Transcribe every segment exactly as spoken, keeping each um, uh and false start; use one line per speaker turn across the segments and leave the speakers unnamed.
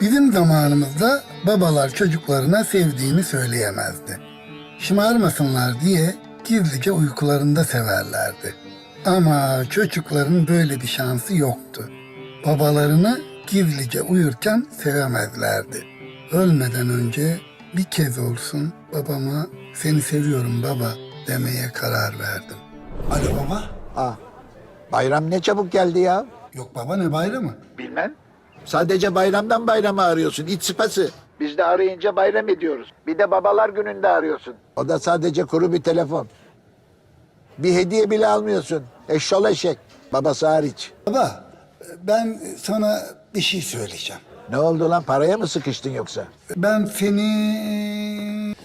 Bizim zamanımızda babalar çocuklarına sevdiğini söyleyemezdi. Şımarmasınlar diye gizlice uykularında severlerdi. Ama çocukların böyle bir şansı yoktu. Babalarını gizlice uyurken sevemezlerdi. Ölmeden önce bir kez olsun babama seni seviyorum baba demeye karar verdim. Alo baba.
Ah, bayram ne çabuk geldi ya.
Yok baba ne bayramı?
Bilmem. Sadece bayramdan bayrama arıyorsun, iç sıpası. Biz de arayınca bayram ediyoruz. Bir de babalar gününde arıyorsun. O da sadece kuru bir telefon. Bir hediye bile almıyorsun. Eşşol eşek. Babası hariç.
Baba ben sana bir şey söyleyeceğim.
Ne oldu lan, paraya mı sıkıştın yoksa?
Ben seni...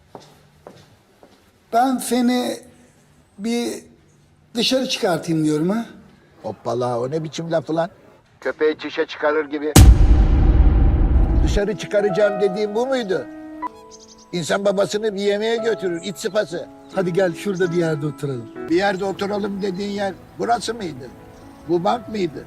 Ben seni bir dışarı çıkartayım diyorum ha.
Hoppala, o ne biçim lafı lan? Köpeği çişe çıkarır gibi. Dışarı çıkaracağım dediğim bu muydu? İnsan babasını bir yemeğe götürür, iç sıpası.
Hadi gel şurada bir yerde oturalım.
Bir yerde oturalım dediğin yer burası mıydı? Bu bank mıydı?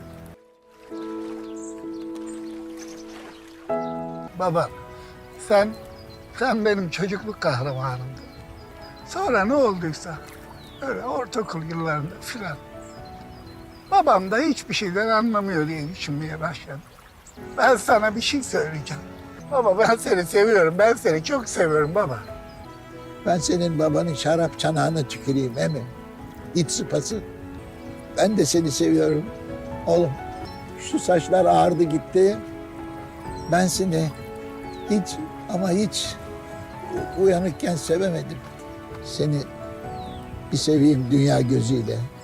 Baba sen, sen benim çocukluk kahramanımdın. Sonra ne olduysa öyle ortaokul yıllarında filan. Babam da hiçbir şeyden anlamıyor diye düşünmeye başladım. Ben sana bir şey söyleyeceğim. Baba ben seni seviyorum, ben seni çok seviyorum baba.
Ben senin babanın şarap çanağına tüküreyim emi. İç sıpası. Ben de seni seviyorum. Oğlum şu saçlar ağardı gitti. Ben seni hiç ama hiç uyanıkken sevemedim. Seni bir seveyim dünya gözüyle.